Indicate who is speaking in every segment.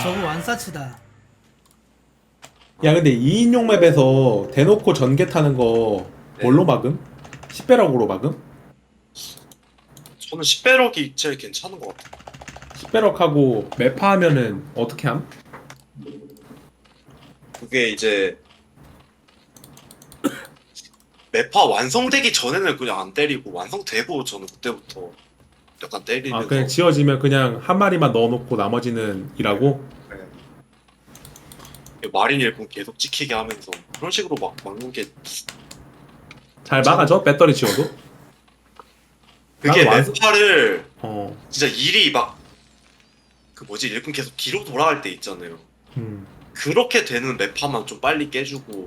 Speaker 1: 저거 완사치다.
Speaker 2: 야 근데 2인용 맵에서 대놓고 전개 타는 거 뭘로 막음? 10배럭으로 막음?
Speaker 3: 저는 10배럭이 제일 괜찮은 것 같아요.
Speaker 2: 10배럭하고 매파 하면은 어떻게 함?
Speaker 3: 그게 이제 매파 완성되기 전에는 그냥 안 때리고 완성되고 저는 그때부터 약간
Speaker 2: 아
Speaker 3: 때리면서
Speaker 2: 그냥 지어지면 그냥 한 마리만 넣어놓고 나머지는 일하고?
Speaker 3: 마린 일꾼 계속 찍히게 하면서 그런 식으로 막 막는 게
Speaker 2: 잘 막아줘? 배터리 지워도?
Speaker 3: 그게
Speaker 2: 나는 완성-
Speaker 3: 매파를
Speaker 2: 어
Speaker 3: 진짜 일이 막 그 뭐지 일꾼 계속 뒤로 돌아갈 때 있잖아요.
Speaker 2: 음.
Speaker 3: 그렇게 되는 매파만 좀 빨리 깨주고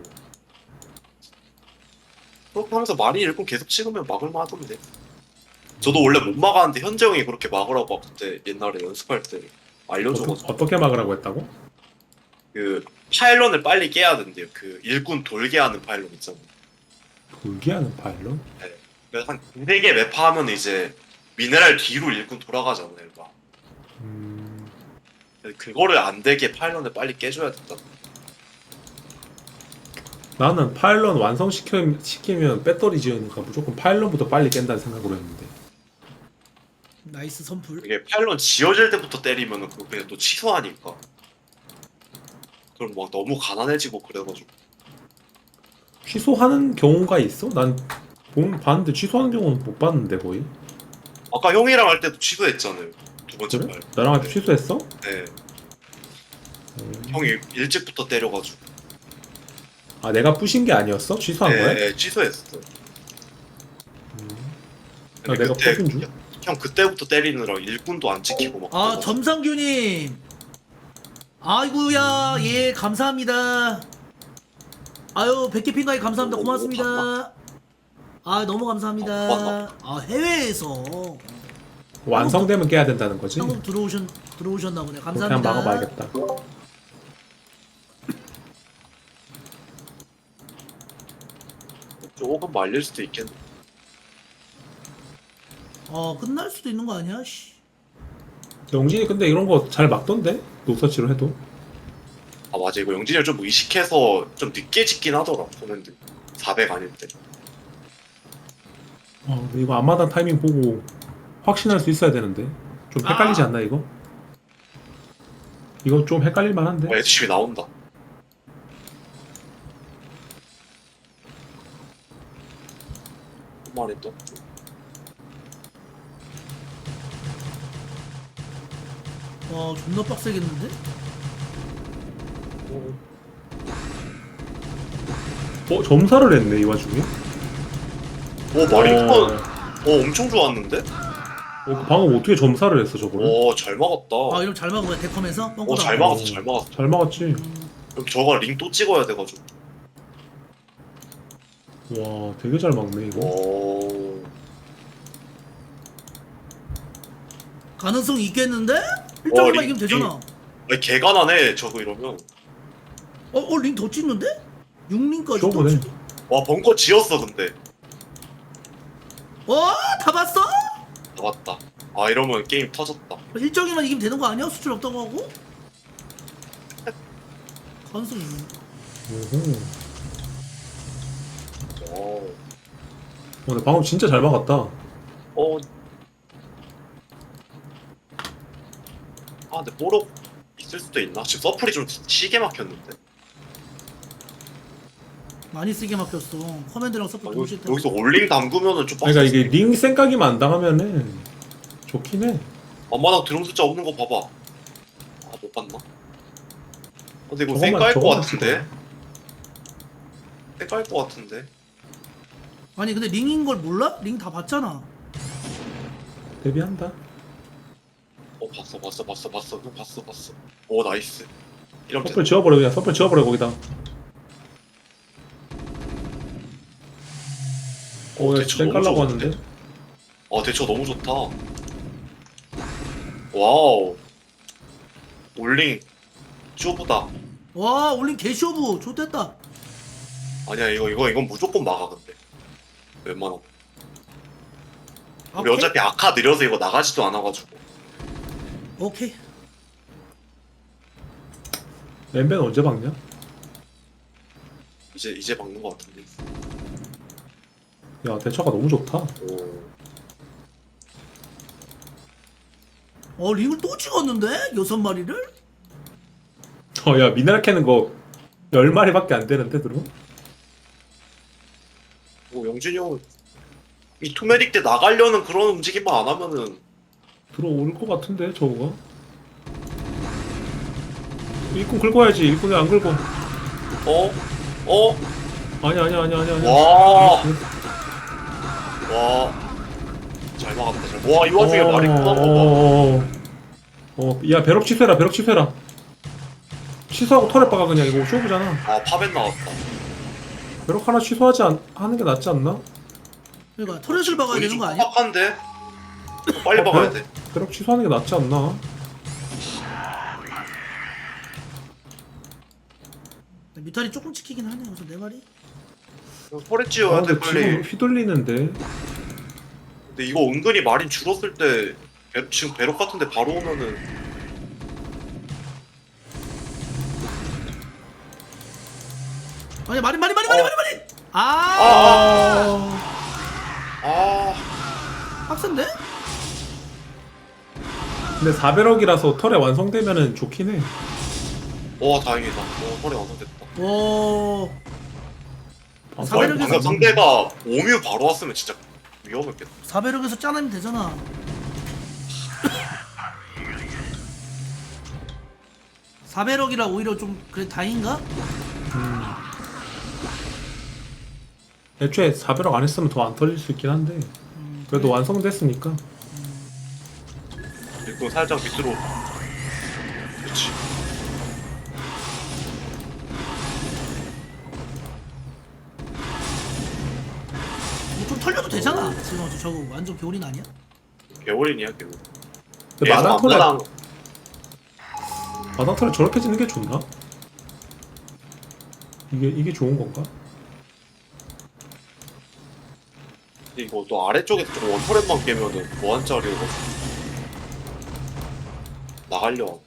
Speaker 3: 그렇게 하면서 마린 일꾼 계속 찍으면 막을만 하던데. 저도 원래 못 막았는데 현재 형이 그렇게 막으라고 그때 옛날에 연습할 때 알려줘가지고
Speaker 2: 어떻게 막으라고 했다고?
Speaker 3: 그 파일런을 빨리 깨야 된대요. 그 일꾼 돌게 하는 파일런 있잖아요.
Speaker 2: 돌게 하는 파일럿?
Speaker 3: 그래서 한 2-3개 매파 하면 이제 미네랄 뒤로 일꾼 돌아가잖아요. 막. 그래서 그거를 안 되게 파일런을 빨리 깨줘야 된다.
Speaker 2: 나는 파일럿 완성시키면 배터리 지으니까 무조건 파일럿부터 빨리 깬다는 생각으로 했는데
Speaker 1: 나이스 선풀.
Speaker 3: 이게 파일런 지어질 때부터 때리면은 그거 그냥 또 취소하니까. 그럼 막 너무 가난해지고 그래가지고.
Speaker 2: 취소하는 경우가 있어? 난 봤는데 취소하는 경우는 못 봤는데 거의.
Speaker 3: 아까 형이랑 할 때도 취소했잖아요. 두 번째
Speaker 2: 그래?
Speaker 3: 파일.
Speaker 2: 나랑 같이 취소했어?
Speaker 3: 네. 형이 일찍부터 때려가지고.
Speaker 2: 아 내가 부신 게 아니었어? 취소한 거야?
Speaker 3: 네, 취소했어.
Speaker 2: 아, 내가 부신 줄?
Speaker 3: 형 그때부터 때리느라 일꾼도 안 지키고 막.
Speaker 1: 아
Speaker 3: 그래가지고.
Speaker 1: 점상규님. 아이고야 예 감사합니다. 아유 100개 핑가에 감사합니다.
Speaker 3: 오,
Speaker 1: 고맙습니다. 아 너무 감사합니다.
Speaker 3: 고맙다.
Speaker 1: 아 해외에서
Speaker 2: 완성되면 깨야 된다는 거지?
Speaker 1: 한국 들어오셨나 보네.
Speaker 2: 그냥
Speaker 1: 감사합니다.
Speaker 2: 막아봐야겠다.
Speaker 3: 조금 말릴 수도 있겠네.
Speaker 1: 끝날 수도 있는 거 아니야? 씨.
Speaker 2: 영진이 근데 이런 거 잘 막던데? 노서치로 해도.
Speaker 3: 아 맞아 이거 영진이 좀 의식해서 좀 늦게 짓긴 하더라. 코맨드 400 아닐 때.
Speaker 2: 근데 이거 앞마당 타이밍 보고 확신할 수 있어야 되는데. 좀 헷갈리지 않나 이거? 이거 좀 헷갈릴 만한데?
Speaker 3: SCV 나온다. 한 마리 또.
Speaker 1: 와 존나 빡세겠는데?
Speaker 2: 점사를 했네 이 와중에?
Speaker 3: 오 마린컨.
Speaker 2: 어,
Speaker 3: 엄청 좋았는데?
Speaker 2: 방금 어떻게 점사를 했어 저거를?
Speaker 3: 잘 막았다.
Speaker 1: 아 이럼 잘 막은 거야 데컴에서? 뻥꾸다.
Speaker 3: 잘 막았어 잘 막았어.
Speaker 2: 잘 막았지.
Speaker 3: 여기 저거 링 또 찍어야 돼가지고.
Speaker 2: 와 되게 잘 막네 이거.
Speaker 3: 오.
Speaker 1: 가능성이 있겠는데? 1점만 이기면 되잖아.
Speaker 3: 아니 개가난해 저거 이러면.
Speaker 1: 링 더 찍는데? 6링까지 더
Speaker 2: 쇼부네.
Speaker 1: 찍.
Speaker 3: 와 벙커 지었어 근데.
Speaker 1: 다 봤어?
Speaker 3: 나왔다. 아 이러면 게임 터졌다.
Speaker 1: 1점이만 이기면 되는 거 아니야? 수출 없다고 하고? 가능성이 있는.
Speaker 2: 오호.
Speaker 3: 오.
Speaker 2: 근데 방금 진짜 잘 막았다.
Speaker 3: 근데 뽀록 있을 수도 있나? 지금 서플이 좀 시게 막혔는데.
Speaker 1: 많이 쓰게 막혔어. 커맨드랑 서포트 동시에 때문에.
Speaker 3: 여기서 올링 담그면은 좀
Speaker 2: 그러니까
Speaker 3: 빡세지.
Speaker 2: 이게 링 생각이만 안 당하면은 좋긴 해.
Speaker 3: 엄마나 드론 숫자 없는 거 봐봐. 못 봤나? 근데 이거
Speaker 2: 저것만-
Speaker 3: 쌩까일 것
Speaker 2: 저것만
Speaker 3: 같은데? 쌩까일 것 같은데?
Speaker 1: 아니 근데 링인 걸 몰라? 링 다 봤잖아.
Speaker 2: 데뷔한다.
Speaker 3: 봤어. 형 봤어. 오 나이스. 이러면
Speaker 2: 서플 지워버려 그냥 서플 지워버려 거기다.
Speaker 3: 대처
Speaker 2: 땡
Speaker 3: 너무
Speaker 2: 깔라고
Speaker 3: 좋은데?
Speaker 2: 하는데.
Speaker 3: 대처 너무 좋다. 와우. 올링 쇼보다.
Speaker 1: 와 올린 개쇼부 좋댔다.
Speaker 3: 아니야 이건 무조건 막아 근데. 웬만하면. 우리
Speaker 1: 오케이?
Speaker 3: 어차피 아카 느려서 이거 나가지도 않아가지고.
Speaker 1: 오케이.
Speaker 2: 엠벤 언제 박냐?
Speaker 3: 이제 박는 것 같은데.
Speaker 2: 야 대처가 너무 좋다.
Speaker 3: 오.
Speaker 1: 링을 또 찍었는데? 6마리를?
Speaker 2: 야 미네랄 캐는 거 10마리밖에 안 되는데 들어?
Speaker 3: 뭐 영준이 형 이 투메릭 때 나가려는 그런 움직임만 안 하면은
Speaker 2: 들어올 것 같은데 저거가? 일꾼 긁고 와야지. 일꾼이 안 긁어.
Speaker 3: 어?
Speaker 2: 아니야.
Speaker 3: 와. 와. 잘 막았다. 와, 이 와중에 말이 끝난 거
Speaker 2: 야 배럭 취소해라. 취소하고 털에 박아 그냥. 이거 쇼부잖아.
Speaker 3: 봐. 아, 파벤 나왔다.
Speaker 2: 배럭 하나 하는 게 낫지 않나?
Speaker 1: 그러니까 터렛을 박아야
Speaker 3: 우리
Speaker 1: 되는
Speaker 3: 좀
Speaker 1: 거 아니야?
Speaker 3: 빡빡한데? 빨리 박아야 돼.
Speaker 2: 배럭 취소하는 게 낫지 않나?
Speaker 1: 뮤탈이 조금 찍히긴 하네. 그래서 4마리.
Speaker 3: 털에 찌워야 돼,
Speaker 2: 근데
Speaker 3: 빨리.
Speaker 2: 지금 휘둘리는데.
Speaker 3: 근데 이거 은근히 마린 줄었을 때 지금 배럭 같은데 바로 오면은
Speaker 1: 아니 마리.
Speaker 3: 아,
Speaker 1: 빡센데?
Speaker 2: 근데 4배럭이라서 털에 완성되면은 좋긴 해.
Speaker 3: 와 다행이다. 털에 완성됐다.
Speaker 1: 오.
Speaker 2: 아,
Speaker 1: 사배럭에서
Speaker 3: 방금 상대가 오뮤 바로 왔으면 진짜 위험했겠다.
Speaker 1: 4배럭에서 짜내면 되잖아. 사배럭이라 오히려 좀 그래 다행인가?
Speaker 2: 애초에 4배럭 안 했으면 더 안 털릴 수 있긴 한데 그래도 완성됐으니까.
Speaker 3: 일꾼 살짝 밑으로. 그렇지.
Speaker 1: 좀 털려도 되잖아. 지금 저거 완전 겨울인 아니야?
Speaker 3: 개월이냐 개월.
Speaker 2: 근데 마당 털에 저렇게 짓는 게 좋나? 이게 좋은 건가?
Speaker 3: 근데 이거 또 아래쪽에서 좀 원터렛만 깨면은 무한짜리로 나가려.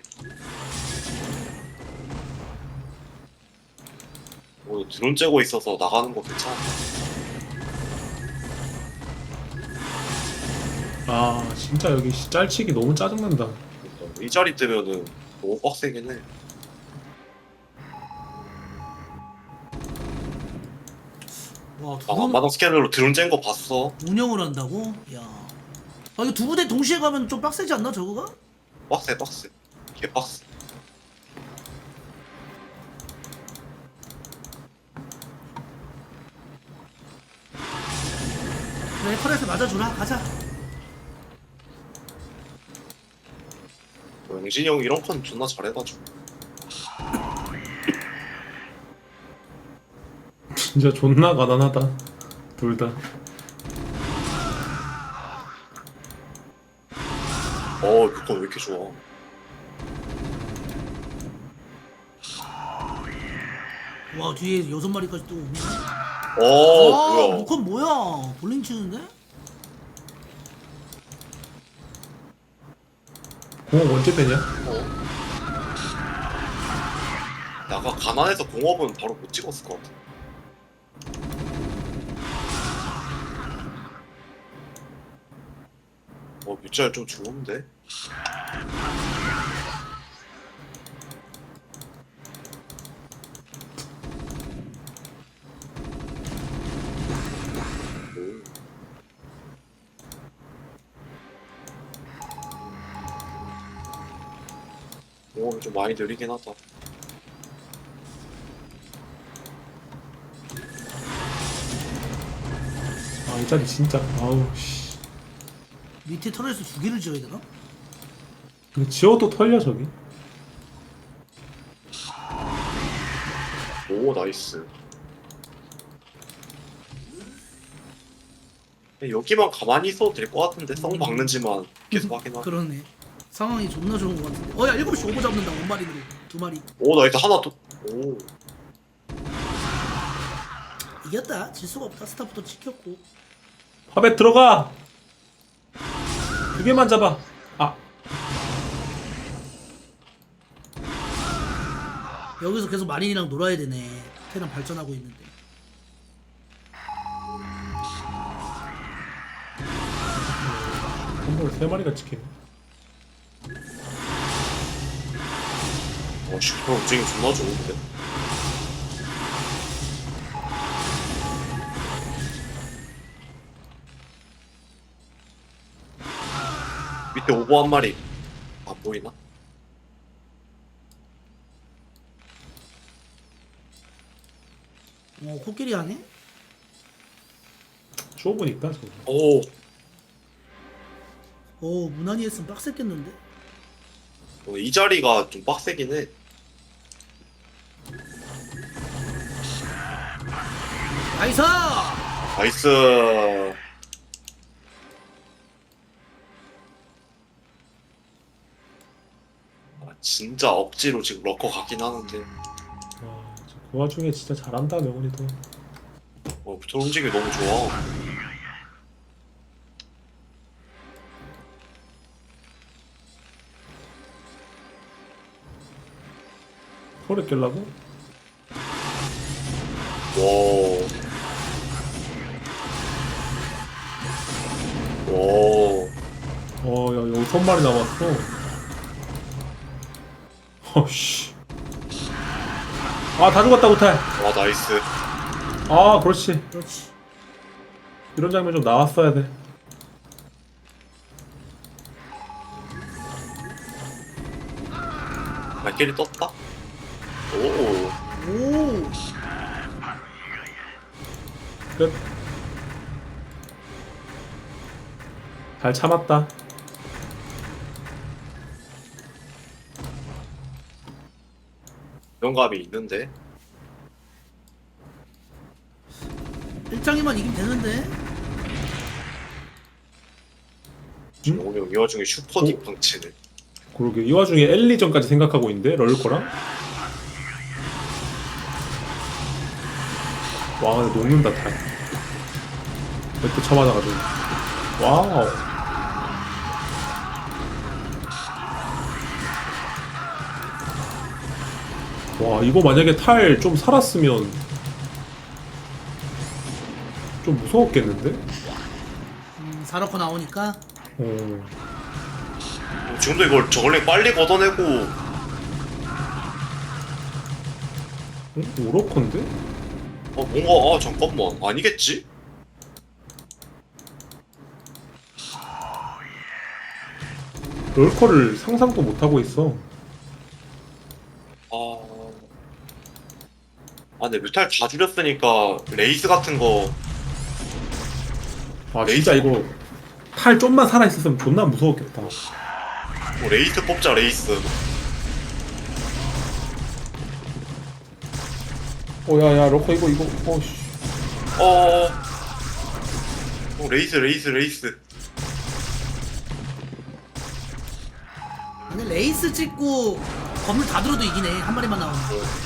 Speaker 3: 오늘 드론 째고 있어서 나가는 거 괜찮아.
Speaker 2: 아 진짜 여기 짤치기 너무 짜증난다.
Speaker 3: 그러니까 이 자리 뜨면은 너무 빡세긴 해.
Speaker 1: 와,
Speaker 3: 마당 스캐너로 드론 짠 거 봤어?
Speaker 1: 운영을 한다고? 야. 아 이거 두 부대 동시에 가면 좀 빡세지 않나 저거가?
Speaker 3: 빡세. 개 빡세.
Speaker 1: 그래 털에서 맞아주라. 가자.
Speaker 3: 영진이 형 이런 건 존나 잘해가지고.
Speaker 2: 진짜 존나 가난하다 둘 다.
Speaker 3: 그거 왜 이렇게 좋아?
Speaker 1: 와 뒤에 6마리까지 또 오네.
Speaker 3: 뭐야?
Speaker 1: 무컨 뭐야? 볼링 치는데?
Speaker 2: 공업 언제 빼냐?
Speaker 3: 나가 가난해서 공업은 바로 못 찍었을 것 같아. 뮤짤 좀 좋은데? 공업이 좀 많이 느리긴 하다.
Speaker 2: 아 이 자리 진짜 아우 씨.
Speaker 1: 밑에 털에서 2개를 지어야 되나?
Speaker 2: 근데 지어도 털려 저기.
Speaker 3: 오 나이스. 여기만 가만히 있어도 될 것 같은데 성 박는지만 계속 하긴 하네.
Speaker 1: 그러네. 상황이 존나 좋은 것 같은데. 야 7시 오버 잡는다. 원마리로 2마리.
Speaker 3: 오 나이스 하나 더. 오
Speaker 1: 이겼다. 질 수가 없다. 스타부터 지켰고.
Speaker 2: 화배 들어가. 2개만 잡아. 아
Speaker 1: 여기서 계속 마린이랑 놀아야 되네. 테란 발전하고 있는데.
Speaker 2: 한번에 3마리가 찍히네.
Speaker 3: 슈퍼 움직임 존나 좋은데. 밑에 오버 한 마리 안 보이나?
Speaker 1: 코끼리 하네?
Speaker 2: 좁으니까 저거.
Speaker 3: 오,
Speaker 1: 무난히 했으면 빡셌겠는데?
Speaker 3: 이 자리가 좀 빡세긴 해.
Speaker 1: 나이스!
Speaker 3: 나이스. 진짜 억지로 지금 러커 가긴 하는데
Speaker 2: 그 와중에 진짜 잘한다 명훈이도.
Speaker 3: 저 움직임이 너무 좋아.
Speaker 2: 소리 깰라고?
Speaker 3: 와.
Speaker 2: 야 여기 3마리 남았어. 어씨. 다 죽었다 우탈.
Speaker 3: 와, 나이스.
Speaker 2: 그렇지.
Speaker 1: 그렇지.
Speaker 2: 이런 장면 좀 나왔어야 돼.
Speaker 3: 발길이 떴다. 오.
Speaker 1: 오!
Speaker 2: 끝. 잘 참았다.
Speaker 3: 영감이 있는데.
Speaker 1: 1장이만 이기면 되는데?
Speaker 3: 오늘 이 와중에 슈퍼 딥팡치네.
Speaker 2: 그러게 이 와중에 엘리전까지 생각하고 있는데 럴거랑. 와 근데 녹는다 탈. 이렇게 쳐맞아가지고. 와우. 와 이거 만약에 탈 좀 살았으면 좀 무서웠겠는데?
Speaker 1: 사러커 나오니까
Speaker 3: 지금도 이걸 저걸링 빨리 걷어내고.
Speaker 2: 오로컨데?
Speaker 3: 뭔가 잠깐만 아니겠지?
Speaker 2: 럴커를 상상도 못하고 있어.
Speaker 3: 근데 뮤탈 다 줄였으니까 레이스 같은 거.
Speaker 2: 진짜 이거 탈 좀만 살아있었으면 존나 무서웠겠다.
Speaker 3: 레이스 뽑자, 레이스.
Speaker 2: 야야 럴커 이거 어씨.
Speaker 3: 레이스.
Speaker 1: 근데 레이스 찍고 건물 다 들어도 이기네. 한 마리만 나오면.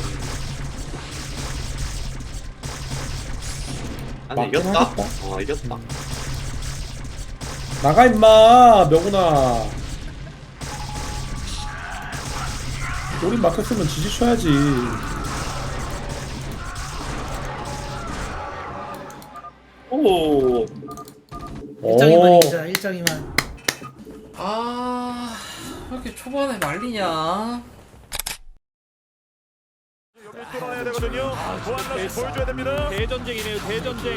Speaker 3: 아니, 이겼다. 이겼다.
Speaker 2: 나가 임마 명훈아. 우린 막혔으면 지지쳐야지.
Speaker 3: 오.
Speaker 1: 1장이만 이기자. 1장이만.
Speaker 4: 왜 이렇게 초반에 말리냐?
Speaker 5: 뚫어내야 되거든요. 보안라스 보여줘야 됩니다. 대전쟁이네요. 대전쟁.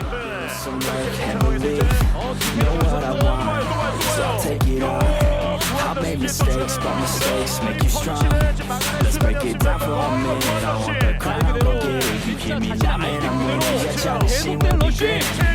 Speaker 6: I've made mistakes, but mistakes make you strong. Let's break it down for a minute. I want the crown, go get it. You hear me now, man, I'm winning. Yeah, y'all seen what we been.